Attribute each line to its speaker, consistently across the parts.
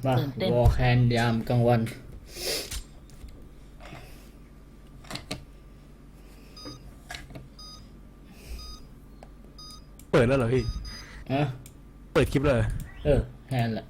Speaker 1: มาวอลแคนยามกลางวัน
Speaker 2: เปิดแล้วเหรอพี่เปิดคลิปเลย
Speaker 1: แฮนแหละ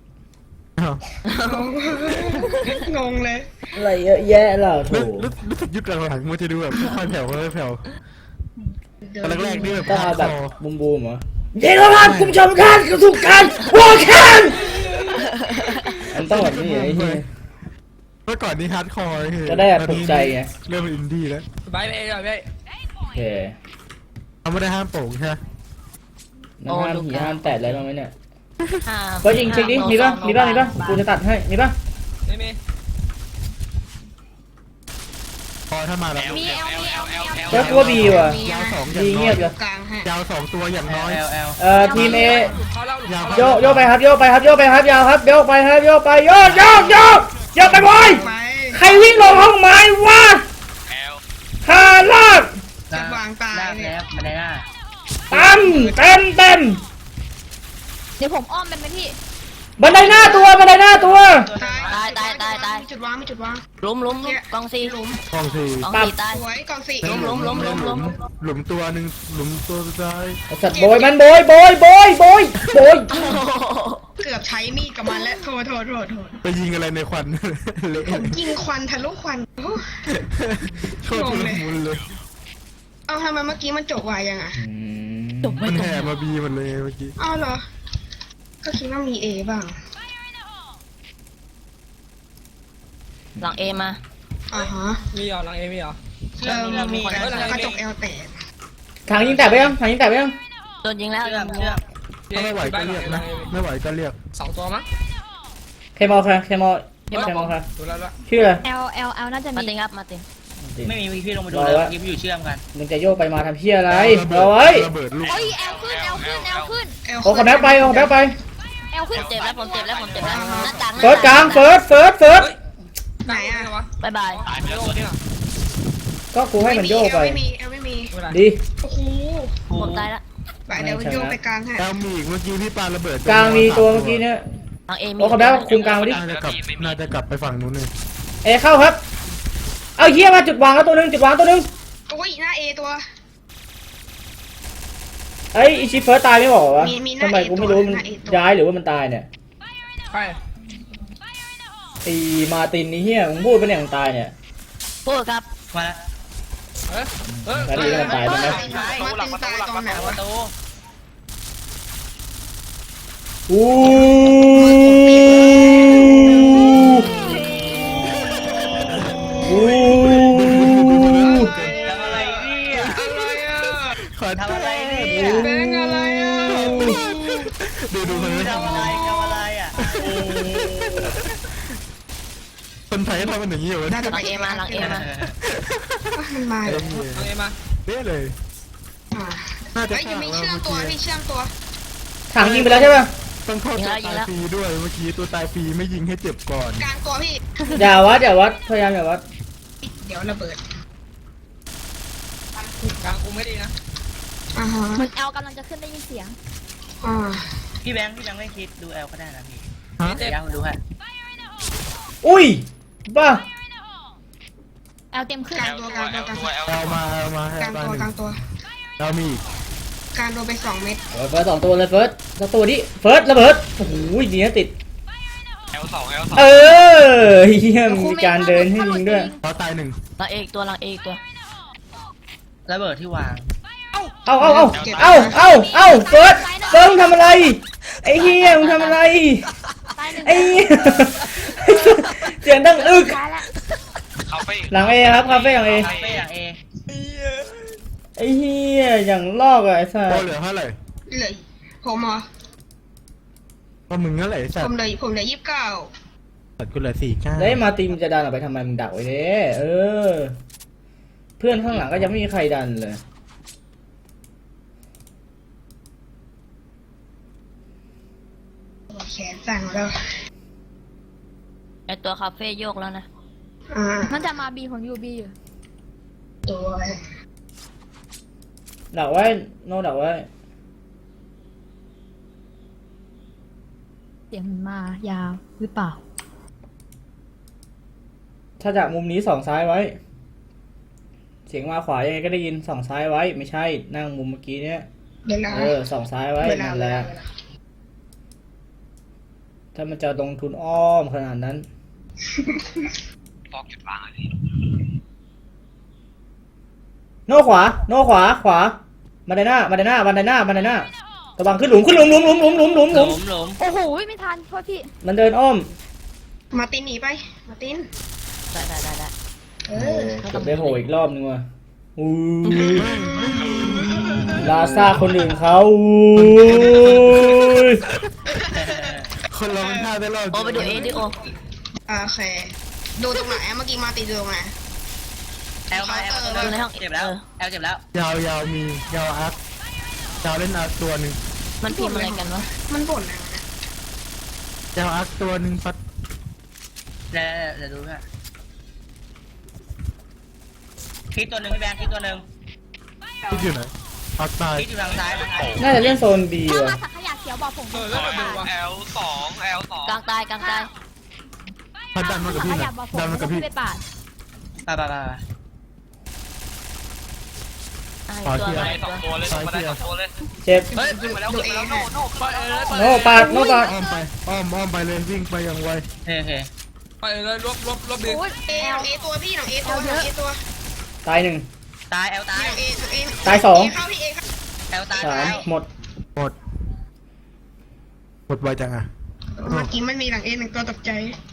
Speaker 3: งงเลย
Speaker 1: อะไรเยอะแยะล่ะโถ
Speaker 2: รู้สึกยุคหลังๆมันจะดูแบบค่อยแผ่วค่อยแผ่วตอนแรกๆนี่แบบ
Speaker 1: ต้องเอาแบบบูมเหรอเดี๋ยวครับคุณผู้ชมครับกระสุนการวอลแคนมันต้องแบบนี้ไอ้เหี้ย
Speaker 2: เมื่อก่อนนี้ฮาร์ดคอร์
Speaker 1: จะได้ปลุกใจไง
Speaker 2: เริ่มอินดี้แล้ว
Speaker 4: ไป
Speaker 1: โอเค
Speaker 2: เขาไม่ได้ห้ามโป่งใช่ไหม
Speaker 1: น้ำห้ามหีห้ามแตะอะไรบ้างไหมเนี่ยก็ยิงเช็คดิมีป่ะกูจะตัดให้มีป่ะ
Speaker 4: ไม่มี
Speaker 2: พอถ้ามาแล้ว
Speaker 1: ก็ตัวบีว่ะ
Speaker 2: ยาว2
Speaker 1: บีเงียบเลย
Speaker 2: ยาว2ตัวอย่างน้อย
Speaker 1: ทีมเอโยไปครับโยไปครับยาวครับโยไปครับโยไปโยไปบอยใครวิ่งลงห้องไม้วะฮาลาก
Speaker 3: จะวางตาย
Speaker 4: แล้วมาได้หน้า
Speaker 1: เต็ม
Speaker 5: เดี๋ยวผมอ้อมเป็นไหมพี่
Speaker 1: บันไดหน้าตัว
Speaker 5: ตาย
Speaker 3: มีจุดวาง
Speaker 5: ล้มกองซี
Speaker 2: กอง
Speaker 5: ตาย
Speaker 3: สวยกองสี่
Speaker 2: หลุมตัวหนึ่งหลุมตัวสุดท้าย
Speaker 1: สัตว์โบยมันโบย
Speaker 3: เกือบใช้มีดกับมันแล้วโทษ
Speaker 2: ไปยิงอะไรในควัน
Speaker 3: ผมยิงควันทะลุควัน
Speaker 2: โคตรชุลมุนเลย
Speaker 3: เอาทำไมเมื่อกี้มันจบวายยังอ่ะ
Speaker 2: มันแห่มาบีมันเลยเมื่อกี้
Speaker 3: อ้าวเหรอก็คิดว่ามีเอบ้าง
Speaker 5: หลังเอมา
Speaker 4: มีเหรอหลังเอมีเหรอ
Speaker 3: มีกระจกเอลแตก
Speaker 1: ถังยิงแตกไปยัง
Speaker 5: โดนยิงแล้ว
Speaker 2: ไม่ไหวก็เรียกนะไม่ไหวก็เรียก
Speaker 4: 2ตัวมั้ง
Speaker 1: เคมอลค่ะชื่ออะไร
Speaker 5: L น่าจะมีมาติงครับมาติง
Speaker 4: ไม่มีพี่ลงมาดูเลยยิบอยู่เชื่อมกัน
Speaker 1: มึงจะโยกไปมาทำเพี้ยอะไรเอาไว้
Speaker 2: ระเบิดลูก
Speaker 5: โอ้ย L ขึ้น
Speaker 1: โอ้ขอแบ็คไปL
Speaker 5: ขึ้นเจ็บแล้วผมเจ็บแล้วหน้าต่าง
Speaker 1: เฟิร์สกลางเฟิร์ส
Speaker 3: ไหนอ่ะ
Speaker 5: บาย
Speaker 1: ก็กูให้มันโยกไป
Speaker 3: ไม่มี
Speaker 1: ดี
Speaker 3: โอ้โห
Speaker 5: ผมตายละ
Speaker 3: เดี๋ยวโยกไปกลางให้
Speaker 2: กลางมีอีกเมื่อกี้พี่ปาระเบิด
Speaker 1: กลางมีตัวเมื่อกี้เนี่ย
Speaker 5: หลังเอมี
Speaker 1: โอ้ขอแบ็คคุมกลางดิ
Speaker 2: น่าจะกลับไปฝั่งนู้นเลย
Speaker 1: เอเข้าครับเอาเฮียมาจุดวางแล้วตัวนึง
Speaker 3: โอ้ยหน้าเอตัว
Speaker 1: ไอ้อิชิเฟิร์สตายไม่บอกวะทำไมกูไม่รู้มันย้ายหรือว่ามันตายเนี่ยไอ้มาตินนี่เฮียมึงพูดเป็นอย่างตายเนี่ย
Speaker 5: พูดครับ
Speaker 4: มา
Speaker 1: แล้วดีมันตายใช่ไหม
Speaker 4: ทำอะไรเนี่ย
Speaker 3: แบงอะไรอ่ะ
Speaker 2: ดูมัน
Speaker 4: ทำอะไรอ่ะ
Speaker 2: คนไทยทำมันอย่างนี้อยู่
Speaker 5: หลังเอมา
Speaker 3: มันมา
Speaker 4: หลังเอมา
Speaker 2: เด้เลย
Speaker 3: น่าจะยังไม่เชื่อมตัว
Speaker 1: ถังยิงไปแล้วใช่ป่ะ
Speaker 2: ต้องเข้าตัวตายฟรีด้วยเมื่อกี้ตัวตายฟรีไม่ยิงให้เจ็บก่อน
Speaker 3: กลางตัวพี่
Speaker 1: อย่าวัดพยายามอย่าวัด
Speaker 3: เดี๋ยวระเบิด
Speaker 4: กลางกูไม่ดีนะ
Speaker 5: มันLกำลังจะขึ้นได้ยินเสียง
Speaker 4: พี่แบงค์ไม่คิดดูLก็ได้นะพี่ยังดูฮะ
Speaker 1: อุ้ยบ้า
Speaker 5: Lเต็มขึ้น
Speaker 3: กลางตัว
Speaker 2: เอามาก
Speaker 3: ลางตัว
Speaker 2: เรามี
Speaker 3: การโดนไป2 เม็ด
Speaker 1: เฟิร์ส2ตัวเลยเฟิร์สตัวนี้เฟิร์สระเบิดโอ้โหดีนะติด
Speaker 4: L2
Speaker 1: เฮียมีการเดินให้ยิงด้วย
Speaker 2: เราตาย1
Speaker 5: หลังเอตัว
Speaker 4: ระเบิดที่วาง
Speaker 1: เอาเฟิร์สมึงทำอะไรไอ้เฮียมึงทำอะไรไอ้เสียงดังอึกหลังเอครับคาเฟ่หลังเอไอ้เฮียอย่างลอกอะไอ้สัส
Speaker 2: เหลือเท่าไหร่
Speaker 3: เลยผมเหรอ
Speaker 2: ก็มึงนั่นแหละสัส
Speaker 3: ผมเลย
Speaker 2: สัสกูเหลือ49
Speaker 1: ได้มาตีมจะดันออกไปทำไมมึงดักไว้เนี่ยเพื่อนข้างหลังก็ยังไม่มีใครดันเลย
Speaker 3: แขนสั่งแล้ว
Speaker 5: ไอตัวคาเฟ่โยกแล้วนะมันจะมาบีของยูบีอยู่
Speaker 3: ตัว
Speaker 1: ดักไว้โนดักไว้
Speaker 5: เสียงมันมายาวหรือเปล่า
Speaker 1: ถ้าจากมุมนี้ส่องซ้ายไว้ เสียงมาขวายังไงก็ได้ยินส่องซ้ายไว้ ไม่ใช่นั่งมุมเมื่อกี้เนี้ย
Speaker 3: เดี๋ยวนะ
Speaker 1: ส่องซ้ายไว้
Speaker 3: เวลา
Speaker 1: นั่น
Speaker 3: เว
Speaker 1: แห
Speaker 3: ลา
Speaker 1: ละถ้ามันจะลงทุนอ้อมขนาดนั้น
Speaker 6: ฟอกจุดวางอะไร
Speaker 1: โน่ขวา โน่ขวา ขวาบันไดหน้าบันไดหน้าบันไดหน้าบันไดหน้าระวังขึ้นหลุมขึ้นหลุมหลุมหลุมหลุมหลุมหลุมห
Speaker 4: ห
Speaker 1: ลุ
Speaker 4: ลุ
Speaker 1: ม
Speaker 4: มหลุม
Speaker 5: โอ้โหไม่ทันโทษพี่
Speaker 1: มันเดินอ้อม
Speaker 3: มาร์ตินหนีไปมาร์ติน
Speaker 5: ได้
Speaker 3: เออ
Speaker 1: เกือบได้โผล่อีกรอบนึงว่ะอู้ลาซาคนอื่นเขาอู้ย
Speaker 2: คนเรามันพลาดได้รอบ
Speaker 5: โอไปดูเอดิโอ
Speaker 3: โอเคดูตรงไหนเมื่อกี้มาร์ตินดูตรงไหน
Speaker 4: แอลมาแอล
Speaker 5: ดูในห้อง
Speaker 4: เจ็บแล้วแอลเจ็บแล้ว
Speaker 2: ยาวมียาวอาร์คยาวเล่นอาร์คตัวหนึ่ง
Speaker 5: มันพิมพ์อะไรกันวะ
Speaker 3: มันบ่นอะไรวะ
Speaker 2: ยาวอาร์คตัวหนึ่งปัด
Speaker 4: เดี๋ยวดูฮะคิดตัวหนึ่งพี่แบงค์คิดตัวหนึ่ง
Speaker 2: ที่อยู่ไหนอาร์คตาย
Speaker 4: คิดอยู่ทางซ้ายทางไหน
Speaker 1: น่าจะเล่นโซนบี
Speaker 5: ถ้า
Speaker 1: ว่ะ
Speaker 5: มาสักขยะเขียวบอกผม
Speaker 6: L2 L2
Speaker 5: กลางตาย
Speaker 2: พัดดันมากับพี่
Speaker 5: ข
Speaker 2: นะ
Speaker 5: ยะบอกผม
Speaker 2: ดันมากับพี่
Speaker 5: ไปปาด
Speaker 4: ไป
Speaker 2: ขวาเทียร์
Speaker 6: ได้สองตัวเลยมาได้สองตัวเลย
Speaker 1: เจ็บ
Speaker 6: เฮ้ยขึ้นมาแล้วขึ้นมาแล้วโน่ไปเลย
Speaker 1: โน่ปาดโน่ปาด
Speaker 2: อ้อมไปอ้อมไปเลยวิ่งไปอย่างไว
Speaker 4: โอเค
Speaker 6: ไปเลยลบดึง
Speaker 5: โอ้ย
Speaker 3: เอตัวพี่หลังเอตัวหลังเอตัว
Speaker 1: ตายหนึ่ง
Speaker 4: ตายแอลตาย
Speaker 3: หลังเอหลังเอ
Speaker 1: ตายสอง
Speaker 3: เข้าพี่เอเข้า
Speaker 4: แอลตาย
Speaker 1: สามหมด
Speaker 2: หมดไวจังอ่ะ
Speaker 3: เมื่อกี้มันมีหลังเอหนึ่งตัวตกใจ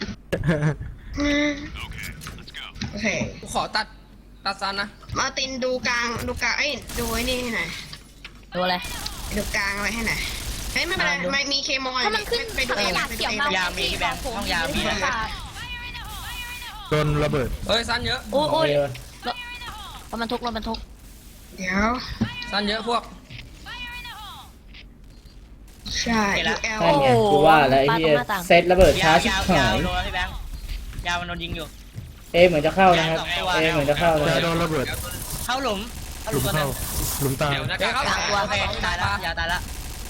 Speaker 3: โอเค
Speaker 6: ขอตัดซันนะ
Speaker 3: มาร์ตินดูกลางเอ้ยดูไอ้นี่ให้หน่อย
Speaker 5: ดูอะไร
Speaker 3: ดูกลางอะไรให้หน่อยเฮ้ยไม่เป็นไรไม่มีเคมอล
Speaker 5: ถ้ามันขึ้น
Speaker 3: ไปดู
Speaker 5: ข
Speaker 3: เอย
Speaker 5: ะ
Speaker 3: ไปดู
Speaker 5: เขียว
Speaker 3: เอ
Speaker 5: มา
Speaker 4: ยามีพี่แบงค์ห้องยามี
Speaker 5: ไปปาด
Speaker 2: โดนระเบิด
Speaker 6: เฮ้ยซันเยอะ
Speaker 5: โอ้ย
Speaker 1: โอเค
Speaker 5: รถบรรทุก
Speaker 3: เดี๋ยว
Speaker 6: ซันเยอะพวก
Speaker 3: ใช่ดูเอล
Speaker 1: นั่นไงกูว่าแล้วไอ้เหี้ยเซตระเบิดช้าชิบหาย
Speaker 4: โดนพี่แบงค์ยาวมันโดนยิงอยู่
Speaker 1: เอเหมือนจะเข้านะครับเอเหมือนจะเข้านะค
Speaker 2: แต่
Speaker 1: รับ
Speaker 2: โดนระเบิด
Speaker 4: เข้าหลุม
Speaker 2: หลุม
Speaker 4: ตัวหนึ
Speaker 2: เข้าง หลุมตาย
Speaker 6: เดี๋ยวเข้า
Speaker 4: โอเคตายแล้วยาวตายแล้ว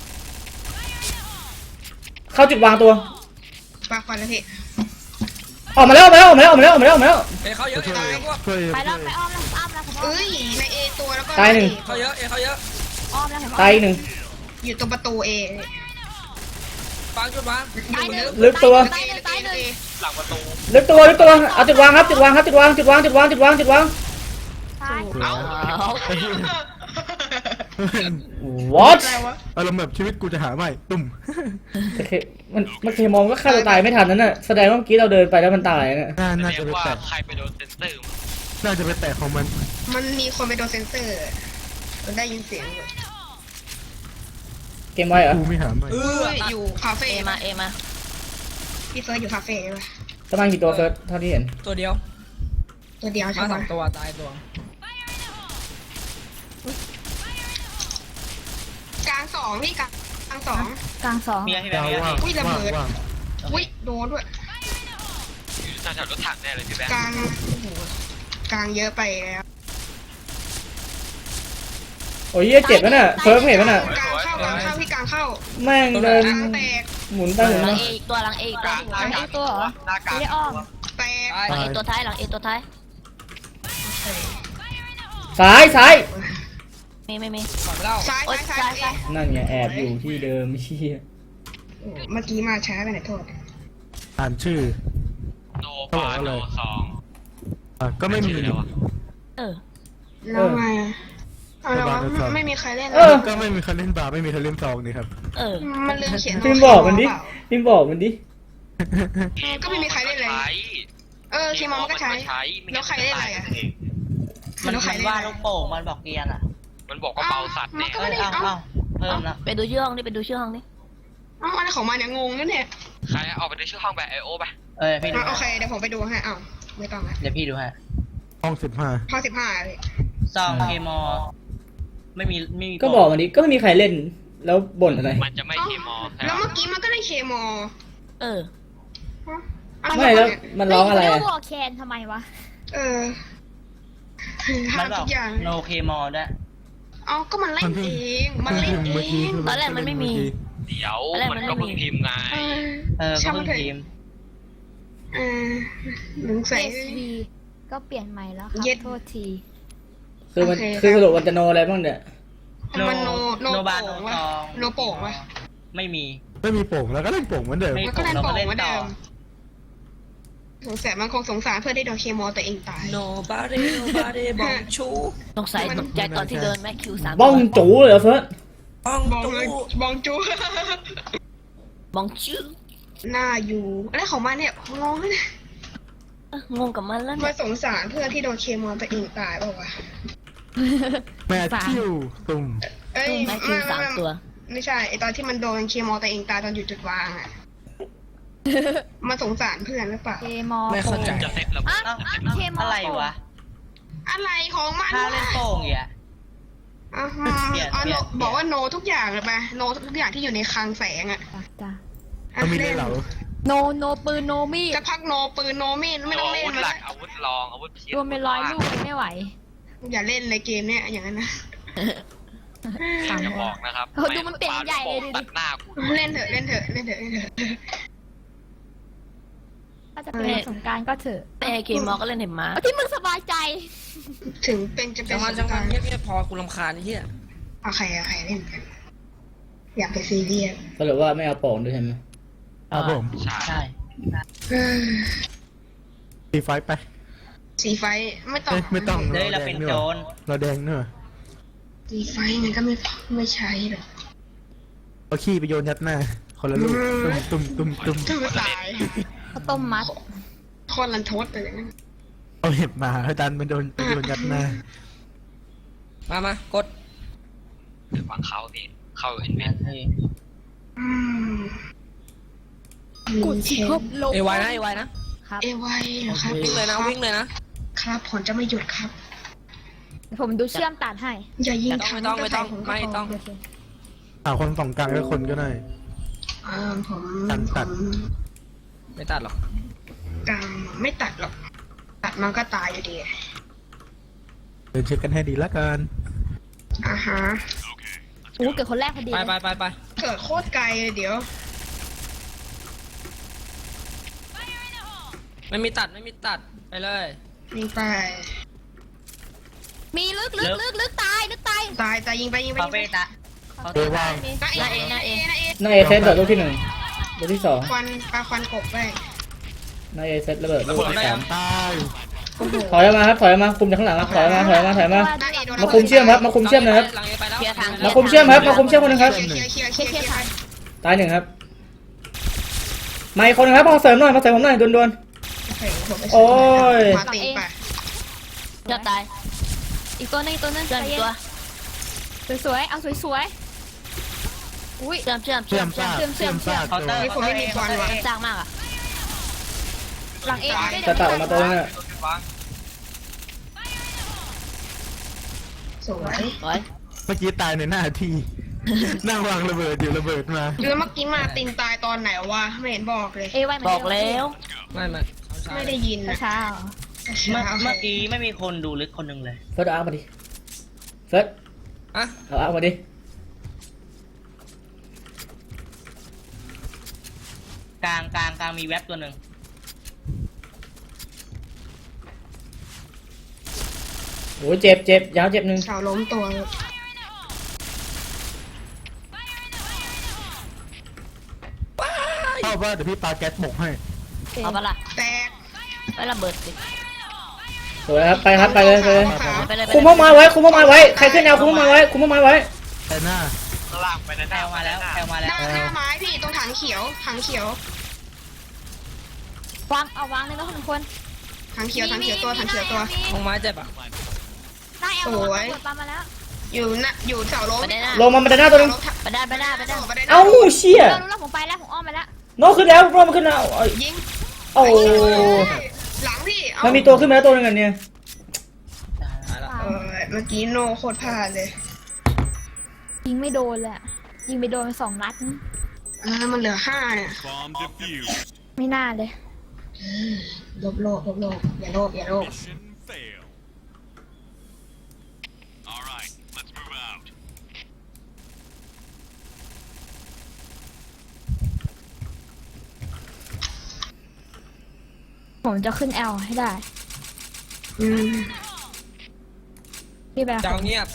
Speaker 1: เข้าจุดวางตัว
Speaker 3: ปากฟันแล้วพี่
Speaker 1: ออกมาแล้วออกมาแล้วออกมาแล้วออกมาแล้วออกมาแล้วออกมาแล้ว
Speaker 6: เอเขาเยอะ
Speaker 2: ช่วย
Speaker 6: พวก
Speaker 2: ช่วย
Speaker 5: ไปแล้วไปอ้อมแล้วผมอ้อม
Speaker 3: เอ้ยในเอตัวแล้วก็
Speaker 1: ตายหนึ่ง
Speaker 6: เขาเยอะเขาเยอะ
Speaker 5: อ้อมแล้วผม
Speaker 1: ตายอีกหนึ่ง
Speaker 3: อยู่ตรงประตูเอ
Speaker 6: ฟังจุดวาง
Speaker 3: อยู่
Speaker 1: ลึกตัว
Speaker 5: ตายหนึ่ง
Speaker 6: หลังประตู
Speaker 1: ลึกตัวเอาจุดวางครับจุดวางครับจุดวางจุดวางจุดวางจุดวางจุดวาง
Speaker 5: ตาย
Speaker 3: เอ้า
Speaker 1: what
Speaker 3: อะไรวะ
Speaker 2: อารมณ์แบบชีวิตกูจะหาไม่ตุ่ม
Speaker 1: แต่เคมันเคมองก็ฆ่าตัวตายไม่ทันนั่นน่ะแสดงว่าเมื่อกี้เราเดินไปแล้วมันตายน่ะ
Speaker 2: น่าจะไปแตะ
Speaker 6: ใครไปโดนเซนเตอร์
Speaker 2: น่าจะไปแตะของมัน
Speaker 3: มันมีคนไปโดนเซนเซอร์มันได้ยินเสียงอยู่
Speaker 1: เกมไว้เหรอ
Speaker 2: กูไม่หาไม่
Speaker 3: อยู่คาเฟ่
Speaker 5: เอมา
Speaker 3: พี่เฟิร์สอยู่คาเฟ่ป่ะ
Speaker 1: ประมาณกี่ตัวเฟิร์สเท่าที่เห็น
Speaker 6: ตัวเดียว
Speaker 3: ตัวเดียวใช่
Speaker 6: มา
Speaker 3: ไหม
Speaker 6: สองตัวตายตัว
Speaker 3: กลางสองพี่กลางสอง
Speaker 5: กลางสอง
Speaker 4: เมียพี่แบง
Speaker 2: ยาว
Speaker 4: ค์
Speaker 2: ว่าง
Speaker 3: อุ้ยระเบิด
Speaker 2: ว่าง
Speaker 3: อุ้ยโดนด้วย
Speaker 6: น่าจะรถถังแน่เลยพี่แบง
Speaker 3: กลางโอ้โหกลางเยอะไปแล้ว
Speaker 1: โอ้ยเหี้ยเจ็บแล้วน่ะเฟิร์สเห็นแล้วน่ะ
Speaker 3: กลางเข้าพี่กลางเข้า
Speaker 1: แม่งเดิน
Speaker 3: กลางแตก
Speaker 1: หมุนไปหมุน
Speaker 5: หลั
Speaker 1: มาง
Speaker 5: เออีกตัวหลังเออีกตัวหลังเอตัวเหรอ
Speaker 6: หน้ากาก
Speaker 5: ไม่ได้อ้อม
Speaker 3: แตก
Speaker 5: หลังเอตัวท้ายหลังเอตัวท้าย
Speaker 1: ซ้ายซ้าย
Speaker 5: ไม่
Speaker 6: ฝั่งเล่า
Speaker 3: ซ้าย
Speaker 5: โอ๊ย
Speaker 3: ซ้าย
Speaker 5: ซ้าย
Speaker 3: ซ้าย
Speaker 1: นั่นไงแอบอยู่ที่เดิมเชี่ย
Speaker 3: เมื่อกี้มาช้าไปไหนโทษ
Speaker 2: อ่านชื่อ
Speaker 6: โนปาโนสอง
Speaker 2: ก็ไม่มี
Speaker 5: เออ
Speaker 3: แล้วไงอะเอาแล้ววะไม่มีใครเล่น
Speaker 1: เออ
Speaker 2: ก็ไม่มีใครเล่นบาร์ไม่มีใครเล่นซองนี่ครับ
Speaker 5: เออ
Speaker 3: มันลืมเขียน
Speaker 1: พิมพ์บอกมันดิพิมพ์บอกมันดิ
Speaker 3: ก็ไม่มีใครเล่นเลยเคมอมันก็ใช้แล้วใครเล่นอะไรอ่ะ
Speaker 4: มันว่าลูกโป่งมันบอกเกียร์อ่ะ
Speaker 6: มันบอกว่าเบาสัตว์เนี่ย
Speaker 4: เพิ่มแล้ว
Speaker 5: ไปดูชื่อห้องนี่ไปดูชื่อห้องนี่
Speaker 3: เอ้าอะไรของมันเนี่ยงงนั่นเนี่ย
Speaker 6: ใครเอาไปในชื่อห้องแบบไอโอไป
Speaker 4: พี่ดู
Speaker 3: โอเคเดี๋ยวผมไปดูให้เอ้าไม่ต้องละ
Speaker 4: เดี๋ยวพี่ดูฮะ
Speaker 2: ห้อง15
Speaker 3: พอ15เลย
Speaker 4: ซองเคมอไม่มี
Speaker 1: ก็บอกมันดิก็ไม่มีใครเล่นแล้วบ่นอะไร
Speaker 6: มันจะไม่เคมอ
Speaker 3: แล้วเมื่อกี้มันก็ได้เคมอ
Speaker 5: เออ
Speaker 1: ไม่แล้วมันร้องอะไร
Speaker 5: เรีย
Speaker 1: อะ
Speaker 5: กว่าแคนทำไมวะ
Speaker 3: เออ
Speaker 4: มันบ
Speaker 3: ทุ
Speaker 4: อก
Speaker 3: กอย่าง
Speaker 4: โนเคมอด้วย
Speaker 3: เอาก็มันเล่นเองมันเล่นเอง
Speaker 5: ตอนแรกมันไม่มี
Speaker 6: เดี๋ยวมันก็เพิ่งพิมพ์ไง
Speaker 4: ก็
Speaker 3: ช่าง
Speaker 4: เพิ่ง
Speaker 3: เถอะ
Speaker 4: ทีม
Speaker 3: หนังใส่
Speaker 5: SV ก็เปลี่ยนใหม่แล้วครั
Speaker 3: เย็ด
Speaker 5: โทษที
Speaker 1: คือมัน
Speaker 3: โอเค
Speaker 1: คือสรุปมันจะโนอะไรบ้างเนี่ย
Speaker 3: มันโน
Speaker 4: บา
Speaker 3: โป่
Speaker 4: โน
Speaker 3: งวะ
Speaker 4: ทอง
Speaker 3: โนโป่งวะ
Speaker 4: ไม่มี
Speaker 2: ไม่มีโป่งแล้วก็เล่นโป่งเหมือนเดิม
Speaker 4: ไม่
Speaker 3: มันก็เล่นโป่งเหมือนเดิ
Speaker 4: ต่อ
Speaker 3: มสงสัยมันคงสงสารเพื่อนที่โดนเคมอตัวเองตาย
Speaker 7: Nobodyบอกชู
Speaker 5: สงสัยตกใจตอนที่เดินแม็กคิว3
Speaker 1: บ้องจูเลยเหรอเฟิร์ส
Speaker 7: บ้อง
Speaker 3: บอง
Speaker 7: ตู
Speaker 3: เลยบองจู
Speaker 5: บ้องชื่อ
Speaker 3: หน้าอยู่อะไรของมันเนี่ยงงเลย
Speaker 5: งงกับมันแล้ว
Speaker 3: มา
Speaker 5: เนี่ย
Speaker 3: สงสารเพื่อนที่โดนเคมอตัวเองตายเปล่าวะ
Speaker 2: แมทธิวตุ่ม
Speaker 3: เอ้ย
Speaker 5: แม็กคิว3 ตัว
Speaker 3: ไม่ใช่ไอตอนที่มันโดนเคมอตัวเองตายตอนอยู่จุดวางอ่ะมาสงสารเพื่อนหรือเปล่า
Speaker 5: เคมอ
Speaker 7: ไม่เข้าใจ
Speaker 6: จะเซ็ตระเบิ
Speaker 5: อ้า
Speaker 6: ด
Speaker 5: วเคมอ
Speaker 4: อะไรวะ
Speaker 3: อะไรของมัน
Speaker 4: ถ้าเล่นโป่งอย่าง
Speaker 3: อ่ะ
Speaker 4: เปลี่ยน
Speaker 3: อ๋อ
Speaker 4: เปลี่ยน
Speaker 3: บอกว่าโนทุกอย่างเลยไปโนทุกอย่างที่อยู่ในคลังแสงอ่ะ
Speaker 5: จ้ะ
Speaker 2: ก็มีด้วยเหรอ
Speaker 5: โนปืนโนมีด
Speaker 3: จะพักโนปืนโนมีดไม่ต้องเล่น
Speaker 6: อาวุธ
Speaker 3: มัน
Speaker 6: หลั
Speaker 3: ละ
Speaker 6: กอาวุธรองอาวุธเพีย
Speaker 5: รวมเป็นร้อยลูกยังไม่ไหว
Speaker 3: อย่าเล่นเลยเกมเนี้ยอย่างนั้นนะ
Speaker 6: อย่าบอกนะครับ
Speaker 5: เออดูมันเปลี่ยนใหญ่เลยดิ
Speaker 6: ตัดหน้ากู
Speaker 3: เล่นเถอะเล่นเถอะเล่นเถอะเล่นเถอะ
Speaker 5: ถ้าจะเป็นวันสงกรารก็เถอะแต่เคมอก็เล่นเห็นมาที่มึงสบายใจ
Speaker 3: ถึงเป็นจะเป็น
Speaker 7: จังหวะเงียบๆพอกูรำคาญไอ้เหี้ย
Speaker 3: โอเคเล่นกัน อยากไปซีเรียส
Speaker 1: สรุปว่าไม่เอาโป่งด้วยใช่ไหม
Speaker 2: ครับผม
Speaker 6: ใช่
Speaker 4: ใช่
Speaker 2: ตีไฟไป
Speaker 3: สีไฟไม่ต้อง
Speaker 2: เอ้ยไม่ต้อง
Speaker 4: เฮ้ยเราเป็นโจร
Speaker 2: เราแดงเนอะ
Speaker 3: สีไฟมันก็ไม่ใช้หรอก
Speaker 2: เอาขี้ไปโยนยัดหน้า คนละลูกตุ่ม
Speaker 3: ชื่อตาย
Speaker 5: ข้าวต้มมัด
Speaker 3: คนรันทดเลยอย่างนั้น
Speaker 2: เอาเห็บมาให้ดันไปโยนยัดหน้า
Speaker 7: มากด
Speaker 6: หรือฝั่งเขาพี่เข้าเห็นไหม
Speaker 3: อืม
Speaker 5: กูชิบลง
Speaker 7: เอไวนะ
Speaker 5: ครับ
Speaker 3: เอไวเหรอครับ
Speaker 7: วิ่งเลยนะ
Speaker 3: ครับผมจะไม่หยุดครับ
Speaker 5: ผมดูเชื่อมตัดให้
Speaker 3: อย่ายิง
Speaker 7: ไม่ต้อง
Speaker 3: ก็ใส่ผมก็
Speaker 7: ไม่ต้อง
Speaker 5: โอเค
Speaker 2: คนสองกลางก็คนก็ได้
Speaker 3: ผม
Speaker 2: ตัด
Speaker 7: ไม่ตัดหรอก
Speaker 3: กลางไม่ตัดหรอก ตัดมันก็ตายอยู่ดี
Speaker 2: เดินเช็คกันให้ดีละกัน
Speaker 3: อ่าฮะ
Speaker 5: โอ้เกิดคนแรกพอดี
Speaker 7: ไป
Speaker 5: เลย
Speaker 7: ไป
Speaker 3: เกิดโคตรไกลเลยเดี๋ยว
Speaker 7: ไม่มีตัดไปเลย
Speaker 3: ยิงไป
Speaker 5: มีลึกตาย
Speaker 3: ตายยิงไปยิงไป
Speaker 4: คา
Speaker 3: ยิงไป
Speaker 4: เฟ่ตะ
Speaker 2: เออว่าง
Speaker 3: นาเอ
Speaker 5: นาเอ
Speaker 1: นายเอเซตระเบิดลูกที่ 1ลูกที่
Speaker 3: ควันปลาควันกบไป
Speaker 1: 2นายเอเซตระเบิดลูกที่ 3
Speaker 2: ตาย
Speaker 3: โอ้โห
Speaker 1: ถอยออกมาครับถอยออกมาคุมจากข้างหลังครับถอยออกมา
Speaker 3: นาเอโดน
Speaker 1: มาคุมเชื่อมครับมาคุมเชื่อมนะครับ
Speaker 7: หลังเอไปแล้ว
Speaker 5: เคลียร์ทาง
Speaker 1: มาคุมเชื่อมครับมาคุมเชื่อมคนหนึงครับ
Speaker 3: เคลียร์
Speaker 1: ตาย1ครับมาอีกคนหนึงครับมาเสริมหน่อยมาเสริมผมหน่อยด่วน โอ้ย
Speaker 3: มาตีไป
Speaker 5: เดี๋ยวตาย อีกตัวนึงเชื่อมอีกตัวสวยๆเอาสวยๆอุ้ยเชื่อม
Speaker 2: เชื่อมซาก
Speaker 4: เคาน์เตอร์
Speaker 5: สร้างมากอ่ะหลังเอ
Speaker 1: ๆจะตัดออกมาตัวนึงอะ
Speaker 3: สวย
Speaker 5: สวย
Speaker 2: เมื่อกี้ตายในหน้าที่ นั่งวางระเบิดอยู่ระเบิดมา
Speaker 3: แล้วเมื่อกี้มาตินตายตอนไหนวะไม่เห็นบอกเลย
Speaker 5: เอไว้
Speaker 6: บอกแล้ว
Speaker 7: ไม่
Speaker 3: ไม่ได้ยินนะ
Speaker 5: ช้า
Speaker 4: เมื่อกี้ไม่มีคนดูลึกคนหนึ่งเลย
Speaker 1: เฟิร์สเอาอาร์คมาดิเฟิร์ส
Speaker 7: อ่ะ
Speaker 1: เอาอาร์คมาดิ
Speaker 4: กลางมีแว็บตัวหนึ่ง
Speaker 1: โอ้ยเจ็บยาวเจ็บ 1
Speaker 3: เสาล้มตัว
Speaker 2: เข้าว่าเดี๋ยวพี่ปาแก๊สหมกให้
Speaker 5: เอาปะล่ะ
Speaker 3: แตก
Speaker 5: ไประเบิดสิ
Speaker 1: สวยครับไปครับไปเลย
Speaker 5: ไปเลย
Speaker 1: คุมเข้ามาไว้ใครขึ้นแนวคุมเข้ามาไว้
Speaker 2: แต่หน้า
Speaker 6: ข้างล่างไปนะ
Speaker 4: แอลมาแล้ว
Speaker 3: หน้าไม้พี่ตรงถังเขียว
Speaker 5: วางเอาวางเลยนะคน
Speaker 3: ถังเขียวตัว
Speaker 7: ลงไม้เจ็บอ่ะ
Speaker 5: ได้แอล
Speaker 3: สวย
Speaker 5: ตามมาแล้ว
Speaker 3: อยู่เสาล้ม
Speaker 1: ลงมาบันไดหน้าตัวนึง
Speaker 5: ไปได้
Speaker 1: เอ้าเชี่ย
Speaker 5: รู้แล้วผมไปแล้วผมอ้อมไปแล้ว
Speaker 1: โน้ขึ้นแล้วโน้มันขึ้นแล้ว
Speaker 3: ยิง
Speaker 1: โอ้
Speaker 3: หลังพี่
Speaker 1: มันมีตัวขึ้นมาแล้วตัวนึงอันเนี่ย
Speaker 7: ตายละ
Speaker 3: เมื่อกี้โนโคตรพลาดเลย
Speaker 5: ยิงไม่โดนเลยยิงไปโดนไป2 นัด
Speaker 3: มันเหลือ5เนี่ย
Speaker 8: Bomb defused.
Speaker 5: ไม่น่าเลย
Speaker 3: ลบอย่าโลภ
Speaker 8: Mission fail. All right, let's move out.
Speaker 5: ผมจะขึ้น L ให้ได้
Speaker 3: อืม
Speaker 5: พี่แบงค์
Speaker 7: เจ้าเงียบ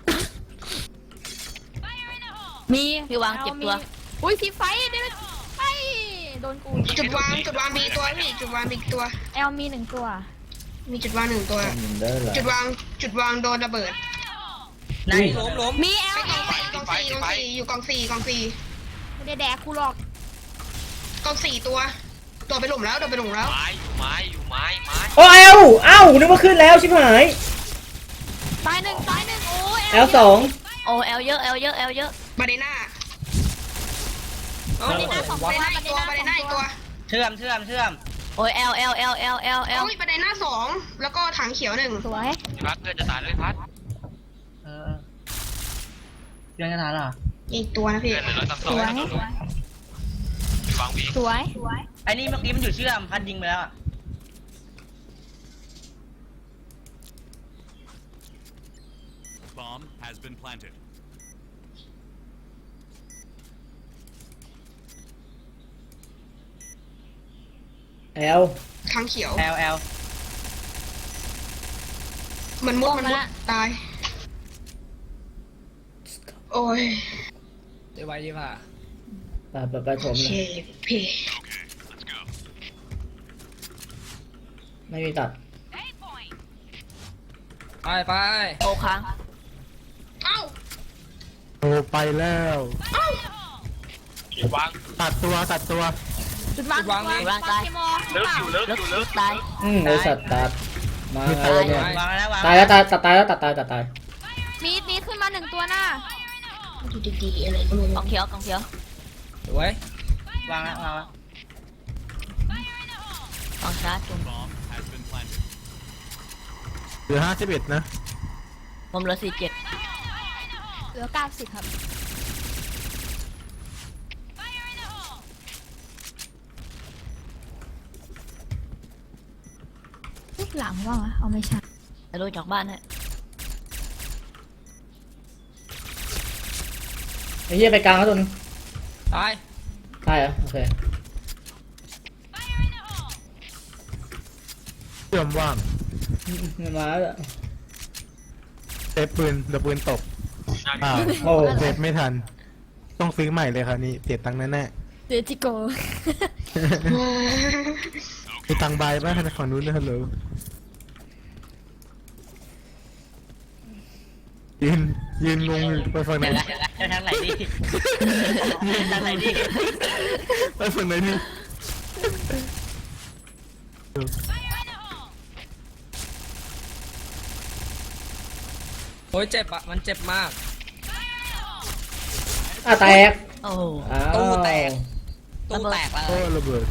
Speaker 5: มี
Speaker 9: พี่วางเจ็บตัว
Speaker 5: อุ้ยพี่ไฟเดี๋ยวไฟโดนกู
Speaker 3: จุดวางมีตัวพี่จุดวางมีอีกตัว
Speaker 5: L มีหนึ่งตัว
Speaker 3: มีจุดวางหนึ่งตัว
Speaker 1: เด้อเหรอ
Speaker 3: จุดวางโดนระเบิด
Speaker 4: ใน
Speaker 7: ล้ม
Speaker 5: มี
Speaker 3: ไป
Speaker 5: L
Speaker 3: กองสี่อยู่กองสี่
Speaker 5: ไม่ได้แดกกูหรอก
Speaker 3: กองสี่ตัวไปหลุมแล้วไปหลุมแล้ว
Speaker 6: ไม้อยู่ไม้อยู่ไม้
Speaker 1: โอ้เอ้านึกว่าขึ้นแล้วชิบหาย
Speaker 5: ตายหนึ่งโอ้ย
Speaker 1: L สอง
Speaker 9: โอ้แอลเยอะแอลเยอะแอลเยอะ
Speaker 3: บาเดน่า
Speaker 7: เอ้า
Speaker 5: บาเดน่าสอง
Speaker 3: บา
Speaker 5: ตัว
Speaker 3: เดน่าอีกตัวบาเดน่าอีกตัว
Speaker 4: เชื่อม
Speaker 9: โอ้ยแอลแอลแอลแอลแอลแอล
Speaker 3: โอ้ยบาเดน่าสองแล้วก็ถังเขียวหนึ่ง
Speaker 5: สวย
Speaker 6: พี่พัดเพื่อนจะตายเลยพัด
Speaker 4: เออเรื่องกระถางเหรอ
Speaker 3: อีกตัวนะพี่
Speaker 6: เพื่อนเหลือตั้งส
Speaker 5: ส
Speaker 6: อง
Speaker 5: วย
Speaker 6: วางวี
Speaker 5: สวย
Speaker 4: ไอ้นี่เมื่อกี้มันอยู่เชื่อมพัดยิงไปแล้วอะ
Speaker 8: Bomb has been planted.
Speaker 1: แอล
Speaker 3: ถังเขียว
Speaker 4: แอล
Speaker 3: มันมุดตาย โอ้ย
Speaker 7: เดี๋ยวไว้ดีป่ะ
Speaker 1: ไปผม
Speaker 3: โอ
Speaker 1: เล
Speaker 3: เค
Speaker 1: ย
Speaker 3: พี่
Speaker 8: Let's go.
Speaker 1: ไม่มีตัด
Speaker 7: ไป
Speaker 9: โอค้าง
Speaker 3: เอ้า
Speaker 2: โอ้ไปแล้ว
Speaker 6: วาง
Speaker 2: ตัดตัว
Speaker 5: จุดวางเคมอ
Speaker 6: เลิกอยู่เลิกอยู่เลิก
Speaker 9: ตาย
Speaker 1: ไอสัตว์ตัดมาอะไรเนี่ยว
Speaker 4: างแล้ววาง
Speaker 1: ตายแล้วตายแล้วตัดตาย
Speaker 5: มีขึ้นมาหนึ่งตัวหน้า
Speaker 3: ดูดีๆอะไรก็ไม่
Speaker 9: ก
Speaker 3: รู้
Speaker 9: องเขียวกองเขียว
Speaker 7: สวย
Speaker 4: วางแล้ว
Speaker 9: กองชาร์จจุ่ม
Speaker 8: Bomb has been planted.
Speaker 2: เหลือ51นะ
Speaker 9: ผมเหลือ47
Speaker 5: เหลือ90ครับหลังว่างเอาไม่ใช่
Speaker 9: จะดูจากบ้านฮะ
Speaker 1: ไอ้เหี้ยไปกลางแล้วตัวนึง
Speaker 7: ตาย
Speaker 1: ตายเหรอโอเค
Speaker 2: เชื่อมว่าง
Speaker 1: มันมาแล้ว
Speaker 2: เซฟปืนเดี๋ยวปืนตกอ้าว
Speaker 1: โอ้
Speaker 2: เซฟไม่ทัน ต้องซื้อใหม่เลยครับนี่เสียตังค์แน่
Speaker 5: เดจิโก
Speaker 2: ๆมีตังค์ใบบ้างฝั่งนู้นนะฮัลโหลยืนงงอยู่ไปฝั่งไหน
Speaker 4: จะทางไหนดีทางไหนดี
Speaker 2: ไปฝั่งไหนนี่
Speaker 7: โอ้ยเจ็บอะมันเจ็บมาก
Speaker 1: แตก
Speaker 9: โอ้
Speaker 1: อ้าว
Speaker 7: ตู้แตก ตู้แตกเล
Speaker 2: โอ้
Speaker 7: ย
Speaker 2: ระเบิด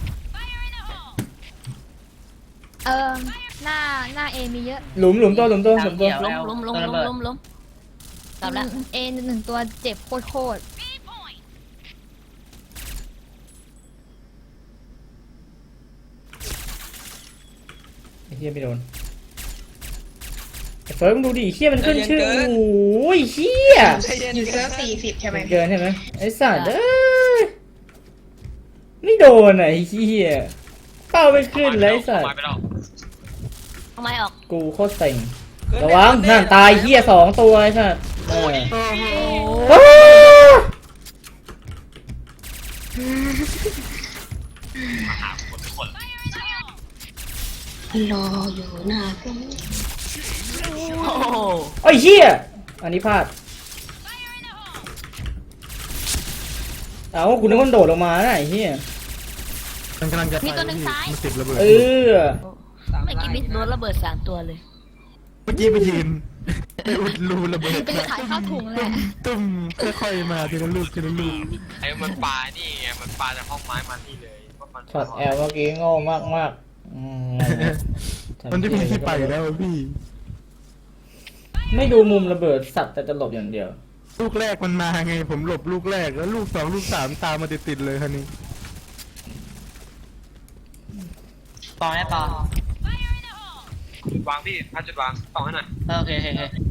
Speaker 5: หน้าเอมีเยอะ
Speaker 1: หลุมตัว
Speaker 9: ล้มกลับแล้ว
Speaker 5: เอหนึ่งตัวเจ็บโคตร
Speaker 1: ไอ้เหี้ยไม่โดนไอ้เฟิร์สมึงดูดิเหี้ยมันขึ้นชื่อโอ้ยเหี้ย
Speaker 3: อยู่เซิร์ฟ40ใช่ไหม
Speaker 1: มันเกินใช่ไหมไอ้สัตว์เอ้ยไม่โดนไอ้เหี้ยเป้าไม่ขึ้นเลยไอ้สัตว์
Speaker 6: มาไปแล้ว
Speaker 9: ทำไมออก
Speaker 1: กูโคตรเซ็งระวังนั่นตายเหี้ย2 ตัวไอ้สัตว์เออโอ้
Speaker 6: มาหาคนทุกคน
Speaker 3: รออยู่หน้าเครื่อง
Speaker 9: โอ้โห
Speaker 1: ไอ้เหี้ยอันนี้พลาดเอาคุณนึกว่าโดดลงมานะไอ้เหี้ย
Speaker 2: มันกำลังจะไปพี่มันติดระเบิด
Speaker 1: เออ
Speaker 9: ไม่กินมิดโดนระเบิด3 ตัวเลย
Speaker 2: เมื่อกี้ไปยืนไปอุดรูระเบิด
Speaker 5: เป็นขายข้าวถุงเลย
Speaker 2: ตุ้มค่อยๆมาทีละลูก
Speaker 6: ไอ้มันปลานี่ไงมันปลาจากห้องไม้มานี่เลยว่ามัน
Speaker 1: ช็อตแอลเมื่อกี้โง่มาก
Speaker 2: มันจะมีที่ไปแล้วพี่
Speaker 1: ไม่ดูมุมระเบิดสัตว์แต่จะหลบอย่างเดียว
Speaker 2: ลูกแรกมันมาไง ผมหลบลูกแรกแล้วลูก2ลูก3ตามมาติดๆเลยคันนี้
Speaker 4: ปอได้ปอ
Speaker 6: วางพี่พัดจุดวางต่อให้หน่อย
Speaker 4: โอเค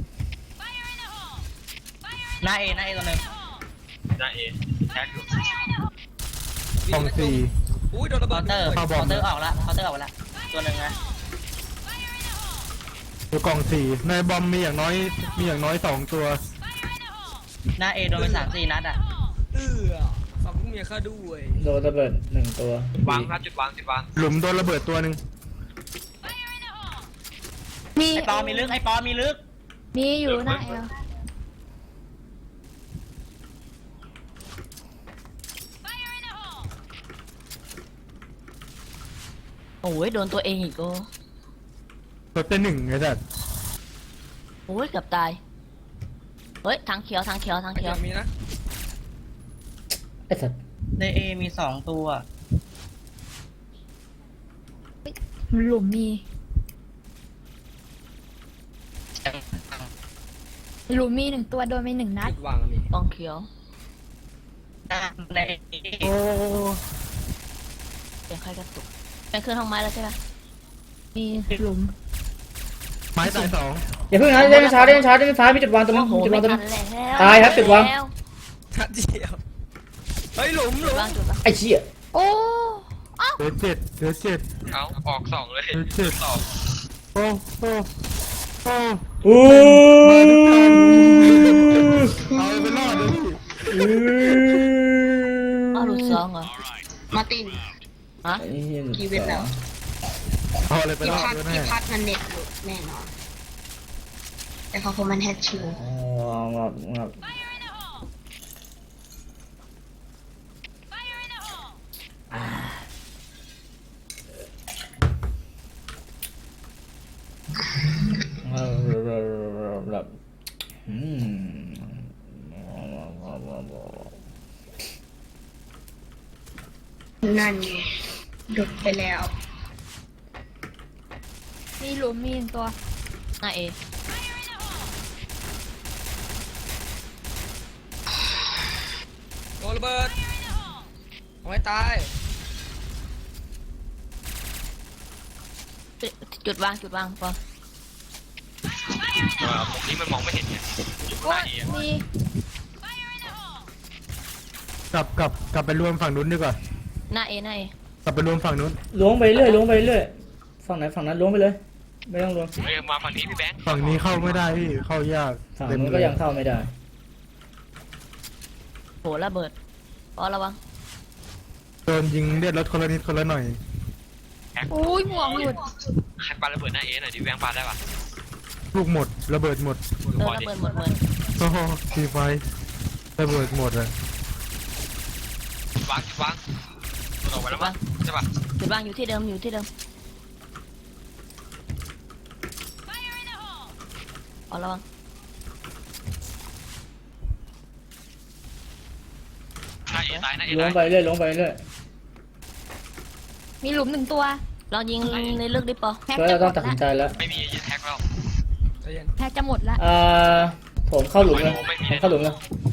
Speaker 4: หน้าเอตัวนึง
Speaker 6: นาเอแท็กอยู่
Speaker 2: กอง4
Speaker 7: อุ้ยโดนระเบิ
Speaker 4: เคา
Speaker 7: ด
Speaker 4: น์เตอร์
Speaker 7: ด้วย
Speaker 4: เคาน์เตอร์ออกละเคาน์เตอร์ออกละตัวหนึ่งนะ
Speaker 2: อยู่กล่องสี่ในบอมมีอย่างน้อย2 ตัว
Speaker 4: หน้าเอโดนไป3-4 นัดอ่ะ
Speaker 7: ฝั่งพวกเมียข้าด้วย
Speaker 1: โดนระเบิด1 ตัว
Speaker 6: วางครับจุดวางจุดวาง
Speaker 2: หลุมโดนระเบิดตัวหนึ่ง
Speaker 5: มี
Speaker 4: ไอปอมีลึกไอปอมีลึก
Speaker 5: มีอยู่หน้าแอล
Speaker 9: โอ้ยโดนตัวเองอีกโอ้
Speaker 2: ตัวเต้น1ไอ้สัส
Speaker 9: โอ้ยเกือบตายเฮ้ยทางเขียวทางเขียวทาง
Speaker 7: ไอ้
Speaker 9: เขียว
Speaker 7: อย่างมีนะ
Speaker 1: ไอ้สัตว์
Speaker 4: ในเอมี2 ตัว
Speaker 5: หลุมมีหลุมมี1 ตัวโดนไป1 นัด
Speaker 7: จุดวางมี
Speaker 9: กองเขียว
Speaker 4: หน้าในเอ
Speaker 2: โอ้
Speaker 9: เสียงใครกระตุกเป็นขึ้นห้องไม้แล้วใช่ไหม
Speaker 5: มีหลุม
Speaker 2: ไม้ตาย2
Speaker 1: อย่าเพิ่งนะเล่นช้ามีจุดวางตัวนึง
Speaker 9: โอ้โห
Speaker 1: จุด
Speaker 9: ไม่
Speaker 1: วางตัว
Speaker 9: ทั
Speaker 1: นึ
Speaker 9: น
Speaker 1: ง
Speaker 9: แล้ว
Speaker 1: ตายครับจุดวาง
Speaker 9: แล้ว
Speaker 7: ทัดเดียวเฮ้ยหลุม
Speaker 9: จุดวางจุดวาง
Speaker 1: ไอ้เชี่ย
Speaker 5: โอ้
Speaker 2: เหลือ7
Speaker 6: เอาออก2เลย
Speaker 2: เหลือ7
Speaker 6: สอง
Speaker 2: โอ้โอ้โอ้
Speaker 1: อู้
Speaker 2: เอาไปรอดเลยพี่
Speaker 9: อ้าวหลุด2เหรอ
Speaker 3: มาร์ติน
Speaker 9: ฮะ
Speaker 1: ไอ้เหี้ย
Speaker 3: กี่เว็บแล้ว
Speaker 2: เอาอะไรไป
Speaker 3: กี่
Speaker 2: รอด
Speaker 3: พัด
Speaker 2: ด้วยแน่
Speaker 3: กี่พัดมันเน็ตหลุดแน่นอน แต่เขาคงมันแฮชชิว
Speaker 1: อ๋องับแบบ
Speaker 3: นั่นไงหลุดไปแล้ว
Speaker 5: มีหลุมมี1 ตัว
Speaker 9: หน้าเอ
Speaker 7: โดนระเบิดเอาให้ตาย
Speaker 9: จุดวางจุดวางปอ
Speaker 6: ตรงนี้มันมองไม่เห็นไงอยู่ข้าง
Speaker 5: โอ้
Speaker 6: หน้าย เอ
Speaker 5: มี
Speaker 2: กลับไปรวมฝั่งนู้นดีกว่า
Speaker 9: หน้าเอหน้าเอก
Speaker 2: ลับไปรวมฝั่งนู้น
Speaker 1: ล้วงไปเรื่อยฝั่งไหนฝั่งนั้นล้วงไปเลย ไม่ต้องล้วง
Speaker 6: เฮ้ยมาฝั่งนี้พี่แบงค์
Speaker 2: ฝั่งนี้เข้าไม่ได้พี่เข้ายาก
Speaker 1: ฝั่งนู้นก็ยังเข้าไม่ได้
Speaker 9: โหระเบิดปอระวัง
Speaker 2: โดนยิงเลือดลดคนละนิดคนละหน่อย
Speaker 5: โอ้ยหมวกหลุด
Speaker 6: ใครปาระเบิดหน้าเอหน่อยดิแบงค์ปาได้ปะ
Speaker 2: ลูกหมดระเบิดหมด
Speaker 9: ระเบิดหมดเหมือน
Speaker 2: โอ้โหทีไฟระเบิดหมดอะ
Speaker 6: วางจุดวางออกไปแล้วมั้งใช่ปะ
Speaker 9: จุดวางอยู่ที่เดิมอยู่ที่เดิมปอระวัง
Speaker 6: หน้าเอตายหน้าเอ
Speaker 1: ล้ว
Speaker 6: ตาง ย
Speaker 1: ไปเรื่อยล้วงไปเรื่อย
Speaker 5: มีหลุม1 ตัว
Speaker 9: ลองยิงในลึกดิปอ
Speaker 5: แพ็ก
Speaker 6: Dạ,
Speaker 1: เพื่อ
Speaker 5: จะ
Speaker 1: เรา
Speaker 5: หม
Speaker 1: ต้อง
Speaker 5: ด
Speaker 1: ตัดสินใจ
Speaker 5: ละ
Speaker 1: แล้ว
Speaker 6: ไม่มียึดแท็กแล้ว
Speaker 7: ใจเย็น
Speaker 5: แพ็กจะหมดละ
Speaker 1: ผมเข้าหลุมเลยผมเข้าหลุมเลย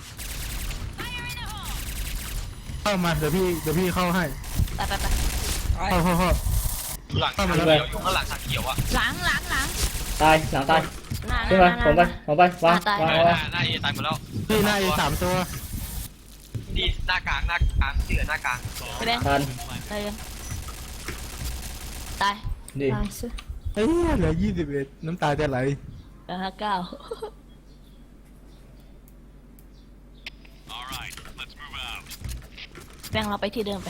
Speaker 2: เข้ามาเดี๋ยวพี่เข้าให้
Speaker 9: ไปไปไป
Speaker 7: ตาย
Speaker 2: เข้า
Speaker 6: หลังทางเขียวอยู่ข้างหลังทางเขียวอ่ะ
Speaker 5: หลัง
Speaker 1: ตายหลังตาย
Speaker 9: หน้าห
Speaker 1: ขึ้นมา
Speaker 9: น้าห
Speaker 1: ผมไป
Speaker 9: น้า
Speaker 1: ผมไปวาง
Speaker 9: ตาย
Speaker 1: วาง
Speaker 6: ห
Speaker 1: วาง
Speaker 6: น้าเอตายหมดแล้ว
Speaker 2: พี่หน้าอี3 ตัว
Speaker 6: นี่หน้ากลางที่เหลือหน้ากลาง
Speaker 9: ไปแบงค์
Speaker 1: ทัน
Speaker 9: ไปเลยตาย
Speaker 1: ดี
Speaker 5: ตายซิ
Speaker 2: เอ้ยเหลือ21น้ำตาจะไหล
Speaker 9: แล้ว9
Speaker 8: All right, let's move out.
Speaker 9: แบงค์เราไปที่เดิมไป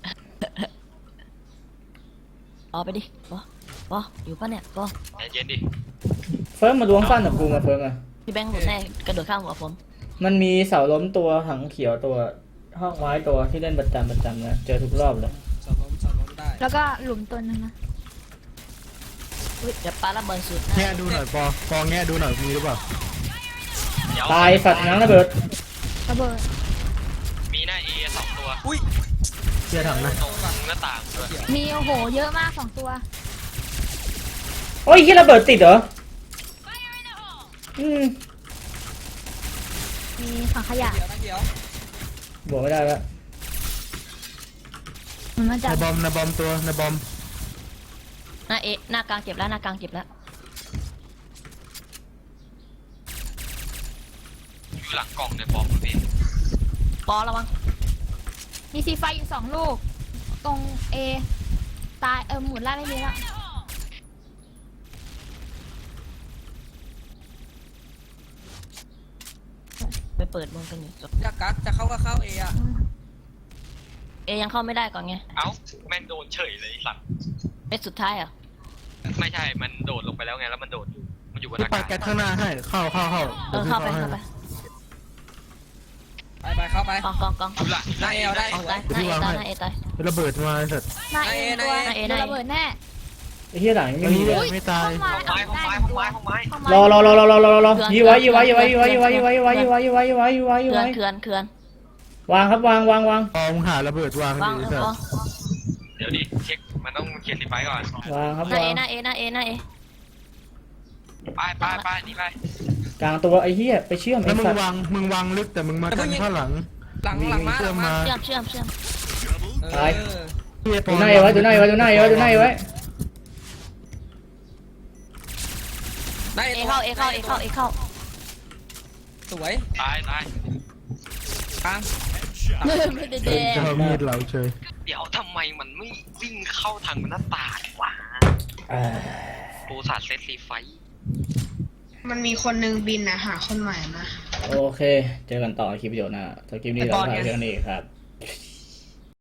Speaker 9: เอาไปดิปออยู่ปะเนี่ยปอ
Speaker 6: ใจเย็นดิ
Speaker 1: เฟิร์มมาล้วงสั้นกับกูมาเฟิร์มมา
Speaker 9: พี่แบงค์หลุดแน่กระโดดข้ามหัวผม
Speaker 1: มันมีเสาล้มตัวถังเขียวตัวห้องไม้ตัวที่เล่นประจำนะเจอทุกรอบเลย
Speaker 7: สอนล้มได้
Speaker 5: แล้วก็หลุมตัวนึงนะ
Speaker 9: อุ้ยเดี๋ยวปาระเบิดสุด
Speaker 2: แง่ดูหน่อยปอแง่ดูหน่อยมีหรือเปล่า
Speaker 6: เดี๋ยว
Speaker 1: ตายสัตว์น้ำระเบิด
Speaker 5: ระเบิด
Speaker 6: มีหน้าเอ2 ตัว
Speaker 7: อุ้ย
Speaker 2: เชี่ยถังนะ
Speaker 6: ตรงหน้าต่างด้วย
Speaker 5: มีโอ้โหเยอะมาก2 ตัว
Speaker 1: โอ้ยที่ระเบิดติดเหรอ
Speaker 5: มีถังขยะ
Speaker 7: เดี๋ยวนะเดี๋ยว
Speaker 1: บวกไม่ได้แล้ว
Speaker 5: มันมาจาก
Speaker 2: ในบอมตัวในบอม
Speaker 9: หน้าเอหน้ากลางเจ็บแล้วหน้ากลางเจ็บแล้ว
Speaker 6: อยู่หลังกล่องในบอมพี่
Speaker 9: ปอระวัง
Speaker 5: มีซีไฟอยู่2 ลูกตรงเอตายหมุนล่าไม่มีแล้ว
Speaker 9: ไปเปิดวงกันอยู่จบ
Speaker 7: จะกักจะเข้าก็เข้าเออะ
Speaker 9: เอยังเข้าไม่ได้ก่อนไง
Speaker 6: เอ้าแม่งโดนเฉยเลยไอ้สัตว์
Speaker 9: เป็นสุดท้ายเหรอ
Speaker 6: ไม่ใช่มันโดดลงไปแล้วไงแล้วมันโดดอยู่มันอยู่บน
Speaker 2: พี่
Speaker 6: อา
Speaker 2: ปาก
Speaker 6: าศ
Speaker 2: แก๊สข้างหน้าให้เข้า
Speaker 9: เออเข้าไปเข้าไป
Speaker 7: ไปเข้าไป
Speaker 9: กอง
Speaker 6: ดูละ
Speaker 7: หน้าเอเอาได้
Speaker 9: ออกตายหน้าเอตายหน้าเอตาย
Speaker 2: ระเบิดมาไอ้สัตว์
Speaker 5: หน้าเอตัว
Speaker 9: หน้าเอ
Speaker 5: โดนระเบิดแน่
Speaker 1: ไอ้เฮียหลังยังไม่มีเลย
Speaker 2: ไม่ตาย
Speaker 5: เข้ามา
Speaker 6: ห้องไม้
Speaker 5: ได้
Speaker 6: ห้องไม้ห้องไม้ห้องไม้
Speaker 1: รอยีไว้
Speaker 9: เขื่อน
Speaker 1: วางครับวาง
Speaker 2: พอมึงหาระเบิดวาง
Speaker 9: วาง
Speaker 2: ดี
Speaker 9: เอ
Speaker 2: สั
Speaker 9: อ
Speaker 2: ต
Speaker 9: พอ
Speaker 2: ว์
Speaker 6: เดี๋ยวดิเช็คมันต้องเคลียร์สีไฟก่อน
Speaker 1: วางครับ
Speaker 9: หน้าว
Speaker 1: าง
Speaker 9: เอหน้าเอนี่ไป
Speaker 6: นี่ไป
Speaker 1: กลางตัวไอ้เฮียไปเชื่อม
Speaker 2: แล้
Speaker 1: ไอ้
Speaker 2: วมึ
Speaker 1: สั
Speaker 2: ง
Speaker 1: ตว์
Speaker 2: วางลึกแต่มึงมากันข้างหลัง
Speaker 7: หลังมา
Speaker 2: เชื่อมมา
Speaker 9: เชื่อม
Speaker 1: ดูหน้าเอไว้
Speaker 7: ได้
Speaker 9: เอเข้า
Speaker 7: สวย
Speaker 6: ตาย
Speaker 7: กลาง
Speaker 9: ไม่ได้
Speaker 2: เจ
Speaker 9: แด
Speaker 2: อมีดเหลาเฉย
Speaker 6: เดี๋ยวทำไมมันไม่วิ่งเข้าทางหน้าต่างวะปูสาดเซตสีไฟ
Speaker 3: มันมีคนนึงบินนะหาคนใหม่มา
Speaker 1: โอเค เจอกันต่อคลิปวิดีโอหน้าถ้าคลิปนี้เราถ่ายเรื่องนี้ครับ